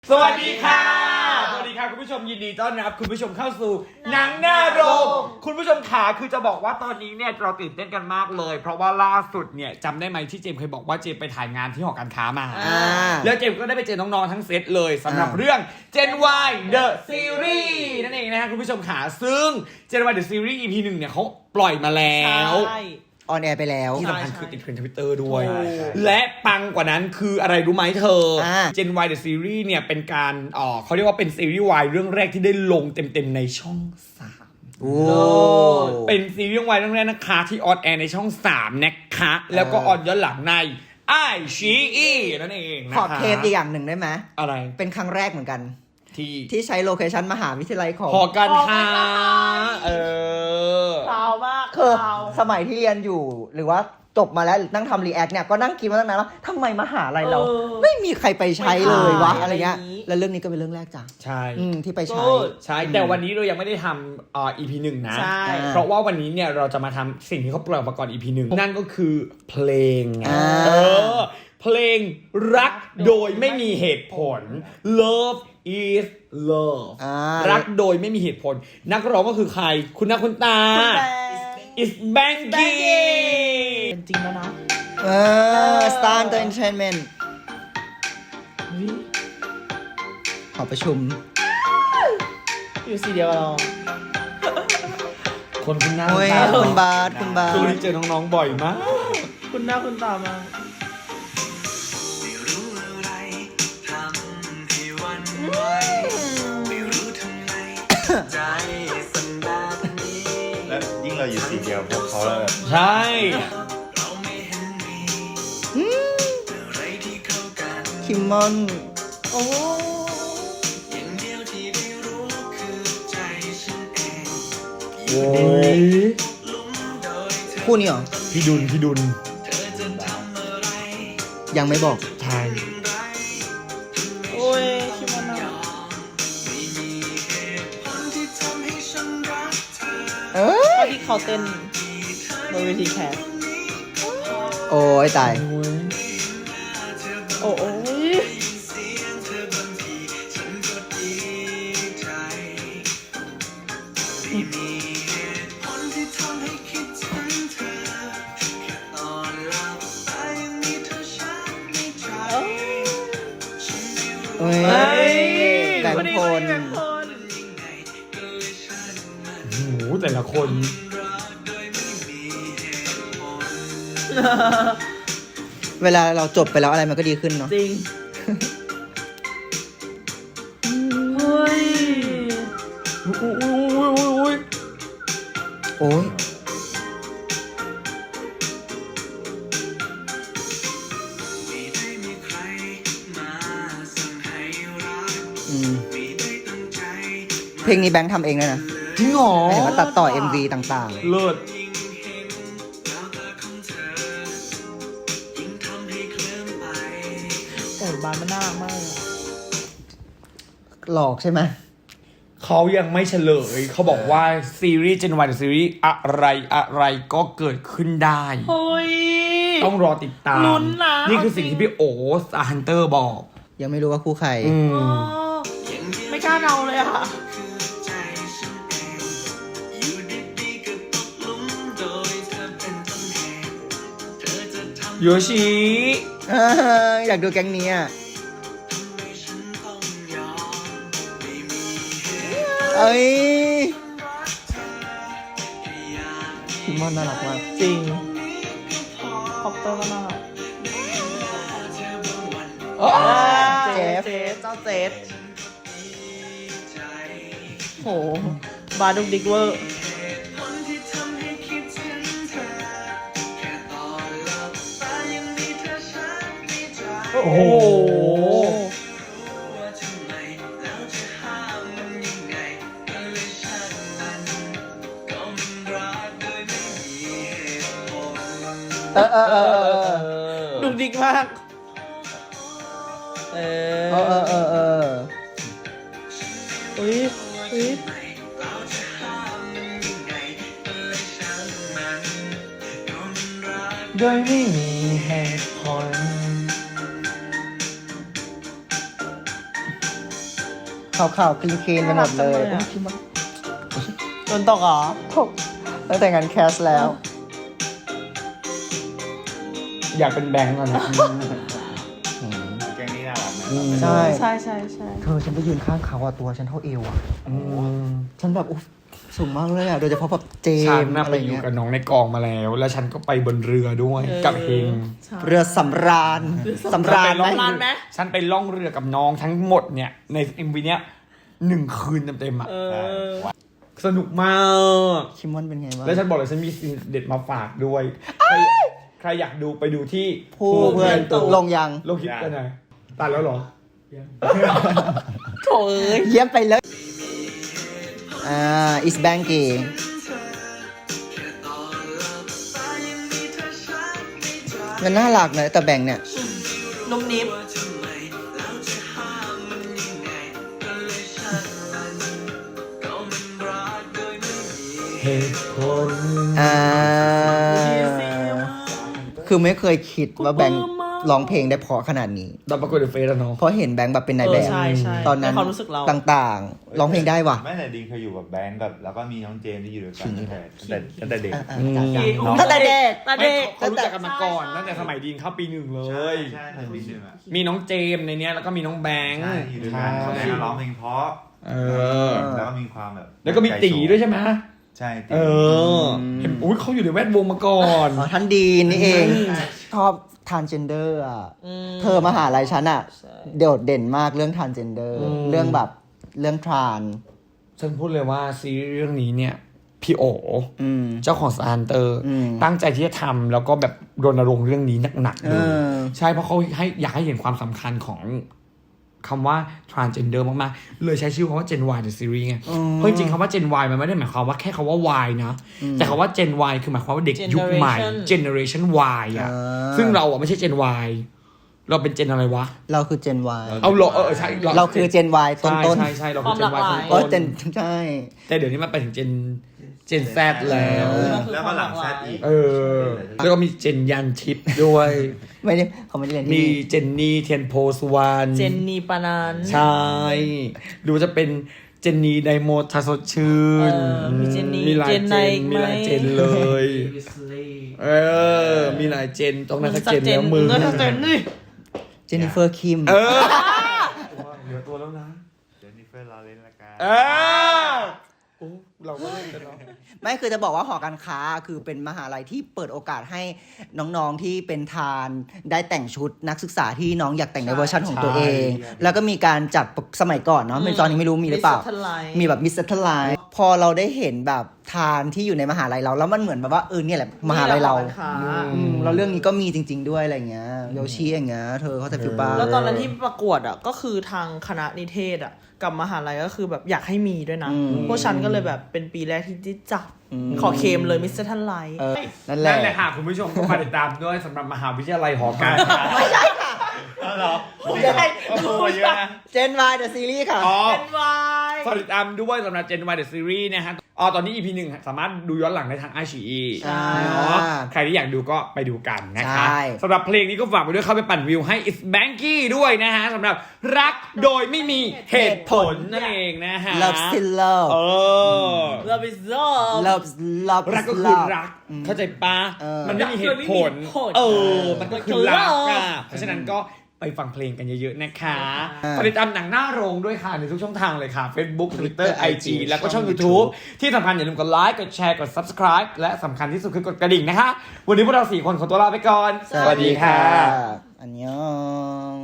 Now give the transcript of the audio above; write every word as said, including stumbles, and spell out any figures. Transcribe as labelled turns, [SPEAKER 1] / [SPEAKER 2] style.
[SPEAKER 1] สวัสดีค่ะสวัสดีค่ะคุณผู้ชมยินดีต้อนรับคุณผู้ชมเข้าสู่หนังหน้าโรงคุณผู้ชมขาคือจะบอกว่าตอนนี้เนี่ยเราตื่นเต้นกันมากเลยเพราะว่าล่าสุดเนี่ยจำได้ไหมที่เจมเคยบอกว่าเจมไปถ่ายงานที่หอการค้ามาแล้วเจมก็ได้ไปเจอน้องๆทั้งเซตเลยสำหรับเรื่อง Gen Y The Series นั่นเองนะฮะคุณผู้ชมขาซึ่ง Gen Y The Series อี พี หนึ่งเนี่ยเขาปล่อยมาแล้ว
[SPEAKER 2] ออนแอร์ไปแล้ว
[SPEAKER 1] ที่สำคัญคือติดเทรนด์ทวิตเตอร์ด้วยและปังกว่านั้นคืออะไรรู้ไหมเธอ Gen Y The Series เนี่ยเป็นการอ๋อเขาเรียกว่าเป็นซีรีส์ Y เรื่องแรกที่ได้ลงเต็มๆในช่องสามโอ้เป็นซีรีส์ Y เรื่องแรกนะคะที่ออนแอร์ในช่องสามนะคะแล้วก็ออนย้อนหลังในไอชีอีนั่นเองนะคะ
[SPEAKER 2] ขอเทสอีกอย่างหนึ่งได้ไหม
[SPEAKER 1] อะไร
[SPEAKER 2] เป็นครั้งแรกเหมือนกัน
[SPEAKER 1] ที่
[SPEAKER 2] ที่ใช้โลเคชั่นมหาวิทยาลัยของ
[SPEAKER 1] หอการค้าเออ
[SPEAKER 3] เปล่ามาก
[SPEAKER 2] คือสมัยที่เรียนอยู่หรือว่าจบมาแล้วหรือนั่งทำรีแอคเนี่ยก็นั่งคิดมาตั้งนานว่าทำไมมหาลัยเราไม่มีใครไปใช้เลยวะอะไรเงี้ยแล้วเรื่องนี้ก็เป็นเรื่องแรกจ้ะ
[SPEAKER 1] ใช่
[SPEAKER 2] ที่ไปใช้
[SPEAKER 1] ใช่แต่วันนี้เรายังไม่ได้ทำอ่า อี พี หนึ่งนะเพราะว่าวันนี้เนี่ยเราจะมาทำสิ่งที่เขาปล่อยมาก่อน อี พี หนึ่งนั่นก็คือเพลงเออเพลงรักโดยไม่มีเหตุผล Love is Love รักโดยไม่มีเหตุผลนักร้องก็คือใครคุณหน้าคุณตา is Banky
[SPEAKER 3] เป็นจริงแล้วนะ
[SPEAKER 2] เออ Star Entertainment ขอประชุม
[SPEAKER 3] อยู่สีเดียวกับเรา
[SPEAKER 1] คนคุณหน้า
[SPEAKER 2] คุณบาสคุณบาส
[SPEAKER 1] คือเจอน้องๆบ่อยมาก
[SPEAKER 3] คุณหน้าคุณตามา
[SPEAKER 4] และยิ่งเราอยู่สีเดียวพวกเขาแล้ว
[SPEAKER 1] ใช่
[SPEAKER 2] คิมมอน
[SPEAKER 3] โอ้
[SPEAKER 1] โอ้ย
[SPEAKER 2] คู่นี้เหรอ
[SPEAKER 1] พี่ดุลพี่ดุล
[SPEAKER 2] ยังไม่บอก
[SPEAKER 1] ใช่
[SPEAKER 3] โอ้ยคิมมอนน่ะ
[SPEAKER 2] เออ
[SPEAKER 3] ที่เขาเต้นบนเวทีแคส
[SPEAKER 2] โอ้ยตาย
[SPEAKER 3] โอ้โอ้ย
[SPEAKER 2] เฮ้ยแบ่งคน
[SPEAKER 1] โอ้โหแต่ละคน
[SPEAKER 2] เวลาเราจบไปแล้วอะไรมันก็ดีขึ้นเนาะ
[SPEAKER 3] จริงเฮ้ย
[SPEAKER 2] โอ้ยเพลงนี้แบงค์ทำเองเลยนะ
[SPEAKER 1] จริงเหรอ
[SPEAKER 2] เห็นว่าตัดต่อ เอ็ม วี ต่าง
[SPEAKER 1] ๆเลิศ
[SPEAKER 3] โอ้บานมันน่ารักมาก
[SPEAKER 2] หลอกใช่ไหม
[SPEAKER 1] เขายังไม่เฉลยเขาบอกว่าซีรีส์ Gen Y ซีรีส์อะไรอะไรก็เกิดขึ้นได้
[SPEAKER 3] เฮ้ย
[SPEAKER 1] ต้องรอติดตามนี่คือสิ่งที่พี่โอสตาร์ฮันเตอร์บอก
[SPEAKER 2] ยังไม่รู้ว่าคู่ใคร
[SPEAKER 3] ไม่กล้าเดาเลยอ่ะ
[SPEAKER 1] โยชิ
[SPEAKER 2] อยากดูแก๊งนี้อ่ะเอ้ยคิมมอนน่ารักมาก
[SPEAKER 3] จริงคอปเตอร์ก็น่ารักเจฟเจ้าเจฟโหบาดุกดิกเวอร์
[SPEAKER 1] โอ้โห
[SPEAKER 2] เออเออเออ
[SPEAKER 3] ดุกดิกมากเอ
[SPEAKER 2] อเออเออเออ
[SPEAKER 3] อุ้ยอุ้ย
[SPEAKER 1] โดยไม่มีเหตุผล
[SPEAKER 2] อขาวๆคลีนๆไปหมดเลย
[SPEAKER 3] น่ารักจังเลยอะ
[SPEAKER 2] คิมมอน
[SPEAKER 3] โดนตกเหรอ
[SPEAKER 2] ตกตั้งแต่งานแคสแล้ว
[SPEAKER 1] อยากเป็นแบงค์ก่อนนะ
[SPEAKER 4] แก๊งนี้น่ารักนะ
[SPEAKER 1] อืม
[SPEAKER 2] ใช่
[SPEAKER 3] ใช่ใช่ใช่
[SPEAKER 2] เธอฉันไปยืนข้างเขาอะตัวฉันเท่าเอวอะ
[SPEAKER 1] อืม
[SPEAKER 2] ฉันแบบอุ๊ยสูงมากเลยอะโดยเฉพาะแบบเจ
[SPEAKER 1] ฉัน
[SPEAKER 2] มส์
[SPEAKER 1] น่ะ
[SPEAKER 2] อะ
[SPEAKER 1] ไป
[SPEAKER 2] ไร
[SPEAKER 1] อยู่
[SPEAKER 2] เงี้ย
[SPEAKER 1] กับน้องในกองมาแล้ว แล้วฉันก็ไปบนเรือด้วย
[SPEAKER 3] เออ
[SPEAKER 1] กับเฮง
[SPEAKER 3] ใช่
[SPEAKER 2] เรือสำราญสำราญ
[SPEAKER 1] ฉันไปล่อง
[SPEAKER 3] สำราญไหม
[SPEAKER 1] ฉันไปล่องเรือกับน้องทั้งหมดเนี่ยในเอ็มวีเนี้ยหนึ่งคืนเต็มๆอ่ะ
[SPEAKER 3] เออ
[SPEAKER 1] สนุกมาก
[SPEAKER 2] คิมมอนเป็นไงบ้าง
[SPEAKER 1] แล้วฉันบอกเลยฉันมีสิ่งเด็ดมาฝากด้วยใครใครอยากดูไปดูที่
[SPEAKER 2] ผู้เพื่อนลงยัง
[SPEAKER 1] โลคิดกันไหนตัดแล้วเหรอ
[SPEAKER 3] โถเอ้ย
[SPEAKER 2] เยี่ยมไปเลย อ่า is banky มันน่ารักนะแต่แบงค์เนี่ย
[SPEAKER 3] นุ่มนิ่ม
[SPEAKER 1] เหตุผล
[SPEAKER 2] อ่า
[SPEAKER 3] ดีสิมาก
[SPEAKER 2] คือไม่เคยคิดว่าแบงค์
[SPEAKER 3] ปลื้มมาก
[SPEAKER 2] ร้องเพลงได้เพราะขนาดนี้
[SPEAKER 1] ตอนประกวดเดอะเฟสอะเนาะ
[SPEAKER 2] เพราะเห็นแบงค์แบบเป็นนาย
[SPEAKER 3] เอ
[SPEAKER 2] แบ
[SPEAKER 3] อบ ใช่ใช่
[SPEAKER 2] ตอนนั้น
[SPEAKER 3] ในความรู้สึกเรา
[SPEAKER 2] ต่างๆ ร้องเพลงได้ว่ะ
[SPEAKER 4] ไม่แต่ดิงเคยอยู่กับแบงก์กับแล้วก็มีน้องเจมส์ที่อยู่ด้วยกันตั้งแต่ตั้งแต่ตั้งแต่เด็ก
[SPEAKER 2] อ่า
[SPEAKER 1] อืม
[SPEAKER 2] ๆ
[SPEAKER 3] อีก
[SPEAKER 2] ตั้งแต่เด็ก
[SPEAKER 3] ตา
[SPEAKER 1] ไม่
[SPEAKER 3] เด็ก
[SPEAKER 1] เขารู้จักกันมาก่อนตั้งแต่สมัยดีนเข้าปีหนึ่งเล
[SPEAKER 4] ใช่
[SPEAKER 1] ย
[SPEAKER 4] ใช่เคยมีหนึ่งอ่ะ
[SPEAKER 1] มีน้องเจมส์ในเนี้ยแล้วก็มีน้องแบงค์
[SPEAKER 4] ใช่อยู่ด้วยกันเขาแบงก์ร้องเพลงเพราะ
[SPEAKER 1] เออ
[SPEAKER 4] แล้วก็มีความแบบ
[SPEAKER 1] แล้วก็มีตีด้วยใช่ไหม
[SPEAKER 4] ใช่ตี
[SPEAKER 1] เออเห็นอุ้ยเขาอยู่ในแวดวงมาก่อน
[SPEAKER 2] อ๋อท่านดีนนี่เอง
[SPEAKER 3] อืม
[SPEAKER 2] ชอบทานเจนเดอร์อ่ะ
[SPEAKER 3] อืม
[SPEAKER 2] เธอมหาลัยฉันอ่ะ
[SPEAKER 3] ใช่
[SPEAKER 2] โดดเด่นมากเรื่องทานเจนเดอร์ เรื่องแบบเรื่องทราน
[SPEAKER 1] ฉันพูดเลยว่าซีรีส์เรื่องนี้เนี่ยพี่โอ
[SPEAKER 2] อืม
[SPEAKER 1] เจ้าของสตาร์เตอร์
[SPEAKER 2] อืม
[SPEAKER 1] ตั้งใจที่จะทำแล้วก็แบบรณรงค์เรื่องนี้หนักๆเลย
[SPEAKER 2] เออ
[SPEAKER 1] ใช่เพราะเขาให้อยากให้เห็นความสำคัญของคำว่า transgender มากๆ เลยใช้ชื่อคำว่า Gen Y the series ไง
[SPEAKER 2] อืม
[SPEAKER 1] เพราะจริงๆคำว่า Gen Y มันไม่ได้หมายความว่าแค่คำว่า Y นะ แต่คำว่า Gen Y คือหมายความว่าเด็กยุคใหม่ generation Y อ่ะ
[SPEAKER 2] อ่า
[SPEAKER 1] ซึ่งเราอ่ะไม่ใช่ Gen Y เราเป็น Gen อะไรวะ
[SPEAKER 2] เราคือเจน Y
[SPEAKER 1] เอาเหรอเออใช่
[SPEAKER 2] เราคือเจน Y ต้น
[SPEAKER 1] ใช่
[SPEAKER 2] ต้น
[SPEAKER 1] ใช่ใช่เราคือ Gen Y ต้น
[SPEAKER 2] โอ้
[SPEAKER 1] ต้
[SPEAKER 2] เจน
[SPEAKER 1] น
[SPEAKER 2] ใช่
[SPEAKER 1] แต่เดี๋ยวนี้มันไปถึง Gen Gen Z แล้ว
[SPEAKER 4] แล้วก็หลังแซดอีก
[SPEAKER 1] เออ แล้วก็มีเจนยันทิพย์ด้วย
[SPEAKER 2] ไม่ได้เขาไม่ได้เรียนที่
[SPEAKER 1] มี
[SPEAKER 2] นี่
[SPEAKER 1] เจนนี่เทียนโพสวาน
[SPEAKER 3] เจนนีปานัน
[SPEAKER 1] ใช่หรือว่าจะเป็นเจนนี่ไดโมทาสดชื่น
[SPEAKER 3] เออมีเจนนี่
[SPEAKER 1] มีหลาย
[SPEAKER 3] เจน
[SPEAKER 1] เจ
[SPEAKER 3] ไหน
[SPEAKER 1] น
[SPEAKER 3] อีกไหม
[SPEAKER 1] มีหลายเจนเลย เออ มีหลายเจนต้องนั้นสักเจนแล้วมึง
[SPEAKER 3] เออสักเจนนี่
[SPEAKER 2] เจนนิเฟอร์คิม
[SPEAKER 1] เออเหลือตัวแล้วนะ
[SPEAKER 4] เจนนิเฟอร์ลอเรนซ์ละกัน
[SPEAKER 1] เออโอ้เราก็เล่นกันเนาะ
[SPEAKER 2] ไม่คือจะบอกว่าหอการค้าคือเป็นมหาลัยที่เปิดโอกาสให้น้องๆที่เป็นทานได้แต่งชุดนักศึกษาที่น้องอยากแต่งในเวอร์ชันของตัวเอง แล้วก็มีการจัดสมัยก่อนเนาะไม่ตอนนี้ไม่รู้มีหรือเปล่า
[SPEAKER 3] Miss Satellite
[SPEAKER 2] มีแบบมิสเตอร์ไลน์พอเราได้เห็นแบบทานที่อยู่ในมหาลัยเราแล้วมันเหมือนแบบว่าเออเนี่ยแหละมหาลัยเรา
[SPEAKER 3] นี่แหละหอการค้า
[SPEAKER 2] อืมแล้วเรื่องนี้ก็มีจริง ๆ ด้วยอะไรเงี้ยโยชิอย่างเงี้ยเธอเขาแต่ฟิลป้า
[SPEAKER 3] แล้วตอนนั้นที่ประกวดอ่ะก็คือทางคณะนิเทศอ่ะกับมหาลัยก็คือแบบอยากให้มีด้วยนะ
[SPEAKER 2] อืม
[SPEAKER 3] พวกฉันก็เลยแบบเป็นปีแรกที่ได้จับ
[SPEAKER 2] อืม
[SPEAKER 3] ขอเคมเลยมิสเตอร์ทันไลท์
[SPEAKER 2] เออนั่นแหละ
[SPEAKER 1] นั่นแหละค่ะคุณผู้ชมก็มาติดตามด้วยสำหรับมหาวิทยาลัยหอการค้า
[SPEAKER 2] ไม่ใช่ค่ะ
[SPEAKER 4] เอาเหรอ
[SPEAKER 2] ไม่ใช่
[SPEAKER 4] โอ้โหเยอะนะ
[SPEAKER 2] เจนวายเดอะซีรีส์ค่ะ
[SPEAKER 1] อ๋อ
[SPEAKER 3] เป็นวาย
[SPEAKER 1] ฝากติดตามด้วยสำหรับ Gen Y The Series นะฮะอ๋อตอนนี้ อี พี หนึ่งสามารถดูย้อนหลังได้ทางไอชีอี
[SPEAKER 2] ใช่
[SPEAKER 1] เนาะใครที่อยากดูก็ไปดูกันนะคะ
[SPEAKER 2] ใช่
[SPEAKER 1] สำหรับเพลงนี้ก็ฝากไปด้วยเข้าไปปั่นวิวให้ It's Banky ด้วยนะฮะสำหรับรักโดยไม่มีเหตุผลนั่นเองนะฮะ
[SPEAKER 2] Love Still Love
[SPEAKER 1] เออ
[SPEAKER 3] เลิฟอิสโซ
[SPEAKER 2] Love Love
[SPEAKER 1] รักก็คือ
[SPEAKER 2] Love
[SPEAKER 1] รัก เข้าใจปะ
[SPEAKER 2] เออ
[SPEAKER 1] มันไม่มีเหตุผล
[SPEAKER 3] รักโดยไม่มีเหตุผล
[SPEAKER 1] เออ มันก็คือรัก
[SPEAKER 3] มันคือ
[SPEAKER 1] อ่ะ
[SPEAKER 3] love
[SPEAKER 1] เพราะฉะนั้นก็ไปฟังเพลงกันเยอะๆนะคะ
[SPEAKER 2] อ่า
[SPEAKER 1] ฝากติดตามหนังหน้าโรงด้วยค่ะในทุกช่องทางเลยค่ะ Facebook Twitter ไอ จี
[SPEAKER 2] ไอจี
[SPEAKER 1] แล้วก็ช่อง
[SPEAKER 2] ช่อง
[SPEAKER 1] YouTube ที่สำคัญอย่าลืมกดไลค์กดแชร์กด Subscribe และสำคัญที่สุดคือกดกระดิ่งนะคะ วันนี้พวกเราสี่คนขอตัวลาไปก่อน
[SPEAKER 2] อันยอง